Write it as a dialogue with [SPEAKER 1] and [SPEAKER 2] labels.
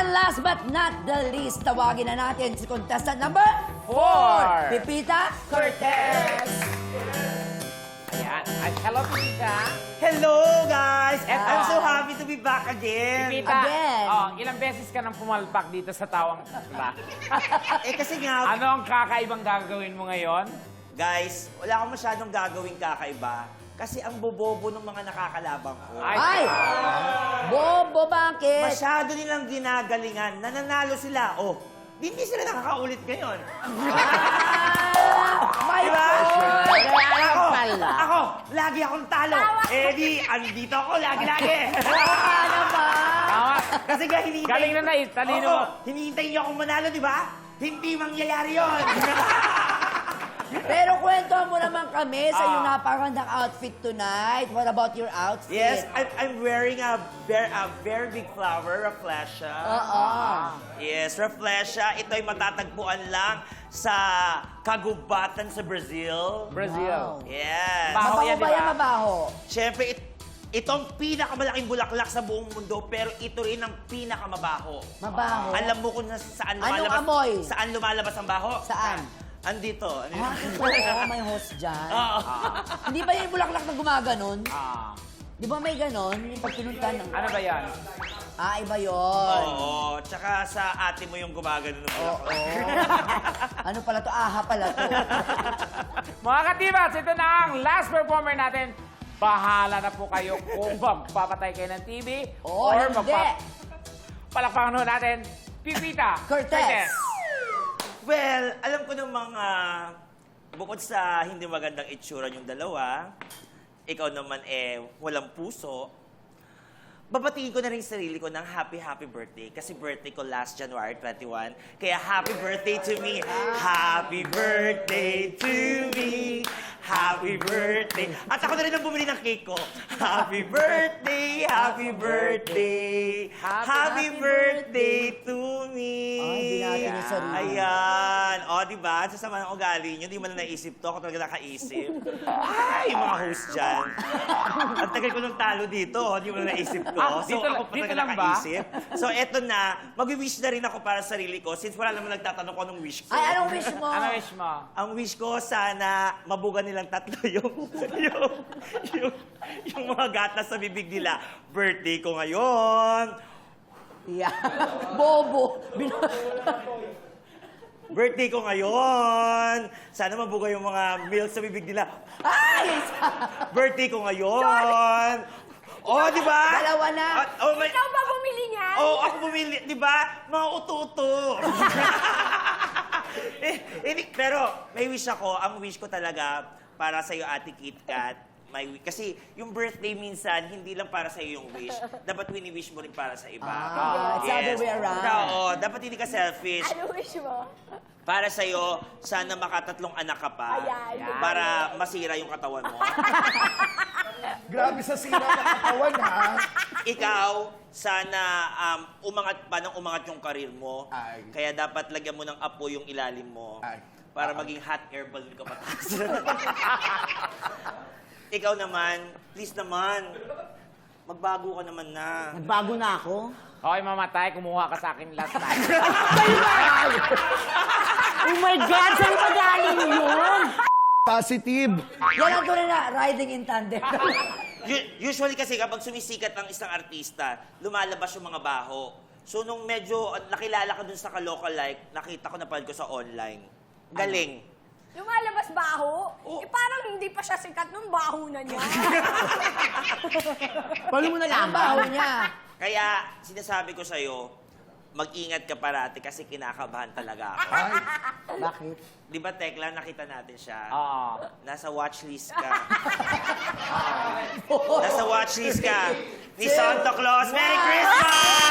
[SPEAKER 1] And last but not the least, tawagin na natin si contestant number
[SPEAKER 2] 4.
[SPEAKER 1] Pipita Cortez.
[SPEAKER 2] Ayan. At hello, Pipita.
[SPEAKER 3] Hello, guys!
[SPEAKER 2] Eto.
[SPEAKER 3] I'm so happy to be back again.
[SPEAKER 2] Pipita,
[SPEAKER 1] Again.
[SPEAKER 2] ilang beses ka nang pumalpak dito sa tawang pula?
[SPEAKER 3] Kasi nga,
[SPEAKER 2] Ano ang kakaibang gagawin mo ngayon?
[SPEAKER 3] guys, wala akong masyadong gagawing kakaiba. Kasi ang bobobo ng mga nakakalaban ko.
[SPEAKER 1] Ay! Bobo, bakit?
[SPEAKER 3] Masyado nilang ginagalingan. Nananalo sila. Oh, hindi sila nakakaulit ngayon.
[SPEAKER 1] May
[SPEAKER 3] Diba?
[SPEAKER 1] Kaya
[SPEAKER 3] Ako,
[SPEAKER 1] pala.
[SPEAKER 3] ako, lagi akong talo. Eh di, andito ako lagi-lagi.
[SPEAKER 1] Ano ba?
[SPEAKER 2] Tama.
[SPEAKER 3] Kasi nga hinihintay...
[SPEAKER 2] Galing na talino mo.
[SPEAKER 3] Hinihintay niyo akong manalo, di ba? Hindi mangyayari yun.
[SPEAKER 1] Pero kwentuhan mo naman kami sa iyong
[SPEAKER 2] Ah.
[SPEAKER 1] napakagandang outfit tonight. What about your outfit?
[SPEAKER 3] Yes, I'm wearing a very big flower, Rafflesia.
[SPEAKER 1] Oo.
[SPEAKER 3] Yes, Rafflesia. Ito ay matatagpuan lang sa kagubatan sa Brazil.
[SPEAKER 2] Brazil.
[SPEAKER 1] Wow.
[SPEAKER 3] Yes.
[SPEAKER 2] Baho
[SPEAKER 1] Mabaho
[SPEAKER 2] yan,
[SPEAKER 1] ba
[SPEAKER 2] di ba?
[SPEAKER 1] yan? Mabaho?
[SPEAKER 3] Siyempre, itong pinakamalaking bulaklak sa buong mundo, pero ito rin ang pinakamabaho.
[SPEAKER 1] Mabaho?
[SPEAKER 3] Alam mo kung saan
[SPEAKER 1] Anong
[SPEAKER 3] lumalabas?
[SPEAKER 1] amoy?
[SPEAKER 3] Saan lumalabas ang baho?
[SPEAKER 1] Saan?
[SPEAKER 3] Andito.
[SPEAKER 1] Ah, oo, may host dyan.
[SPEAKER 3] Oo.
[SPEAKER 1] Hindi ba yung bulaklak na gumaganon?
[SPEAKER 2] Ah.
[SPEAKER 1] Di ba may ganon? Yung pag pinuntan ng...
[SPEAKER 2] Ano ba yan?
[SPEAKER 1] Ah, iba yun.
[SPEAKER 3] Oo. Tsaka sa ate mo yung gumagano ng
[SPEAKER 1] Oo.
[SPEAKER 3] bulaklak.
[SPEAKER 1] Ano pala to? Aha pala to.
[SPEAKER 2] Mga katibats, ito na ang last performer natin. Bahala na po kayo kung magpapatay kayo ng TV
[SPEAKER 1] Oo, hindi.
[SPEAKER 2] Palakpakan ho natin, Pipita
[SPEAKER 1] Cortez.
[SPEAKER 3] Well, alam ko ng mga... Bukod sa hindi magandang itsura yung dalawa, ikaw naman walang puso, babatiin ko na rin sarili ko ng happy birthday. Kasi birthday ko last January 21. Kaya happy birthday to me. Happy birthday to me. Happy birthday. At ako na rin ang bumili ng cake ko. Happy birthday, happy birthday. Happy birthday to me.
[SPEAKER 1] Ay, binati niya sarili.
[SPEAKER 3] Ayan. O, diba? Sa sama ng ugali nyo, di mo na naisip to. Ako talaga nakaisip. Ay, mga host dyan. Ang tagal ko ng talo dito. Di mo na naisip ko.
[SPEAKER 2] Ah,
[SPEAKER 3] So,
[SPEAKER 2] dito-
[SPEAKER 3] ako pa
[SPEAKER 2] dito
[SPEAKER 3] talaga
[SPEAKER 2] lang ba?
[SPEAKER 3] nakaisip. So, eto na. Mag-wish na rin ako para sa sarili ko since wala naman nagtatanong ko anong wish ko.
[SPEAKER 1] Ay, anong wish mo?
[SPEAKER 2] Ano wish mo?
[SPEAKER 3] Ang wish ko, sana mabugan nilang tatlo yung mga gatas sa bibig nila. Birthday ko ngayon.
[SPEAKER 1] Yeah. Bobo.
[SPEAKER 3] Birthday ko ngayon. Sana mabuga yung mga milk sa bibig nila.
[SPEAKER 1] Ay!
[SPEAKER 3] Birthday ko ngayon. Oh, di ba?
[SPEAKER 1] Dalawa na.
[SPEAKER 3] Oh, may...
[SPEAKER 4] Ikaw ba bumili niyan?
[SPEAKER 3] Oh, ako bumili, di ba? Mga uto-uto. Pero may wish ako. Ang wish ko talaga para sa iyo, Ate Kit Kat. Kasi yung birthday minsan, hindi lang para sa iyo yung wish. Dapat wini-wish mo rin para sa iba.
[SPEAKER 1] It's the other way around.
[SPEAKER 3] Oo, dapat hindi ka selfish.
[SPEAKER 4] Ano wish mo?
[SPEAKER 3] Para sa'yo, sana makatatlong anak ka pa.
[SPEAKER 4] Ayan.
[SPEAKER 3] Para masira yung katawan mo.
[SPEAKER 5] Grabe sa sira ng katawan, ha?
[SPEAKER 3] Ikaw, sana umangat pa ng umangat yung karir mo.
[SPEAKER 5] Ay.
[SPEAKER 3] Kaya dapat lagyan mo ng apo yung ilalim mo.
[SPEAKER 5] Ay.
[SPEAKER 3] Para maging hot air balloon ka pataas. Ikaw naman, please naman, magbago ka naman na.
[SPEAKER 1] Nagbago na ako.
[SPEAKER 2] Hoy, mamatay, kumuha ka sa akin last time.
[SPEAKER 1] Oh my God! Saan ba galing yun?
[SPEAKER 5] Positive.
[SPEAKER 1] Yan ang tunay na riding in tandem.
[SPEAKER 3] Usually kasi kapag sumisikat ang isang artista, lumalabas yung mga baho. So nung medyo nakilala ka dun sa ka-local-like, nakita ko, napanood ko sa online. Galing.
[SPEAKER 4] Lumalabas baho?
[SPEAKER 3] Oh.
[SPEAKER 4] Eh parang hindi pa siya sikat nung baho na niya.
[SPEAKER 1] Paano mo nalaman? Ang baho niya.
[SPEAKER 3] Kaya sinasabi ko sa'yo, mag-ingat ka parati kasi kinakabahan talaga ako.
[SPEAKER 5] Ay,
[SPEAKER 1] Bakit?
[SPEAKER 3] Di ba, Tekla, nakita natin siya?
[SPEAKER 2] Oo.
[SPEAKER 3] Nasa watchlist ka. Nasa watchlist ka ni Santa Claus. Merry Christmas!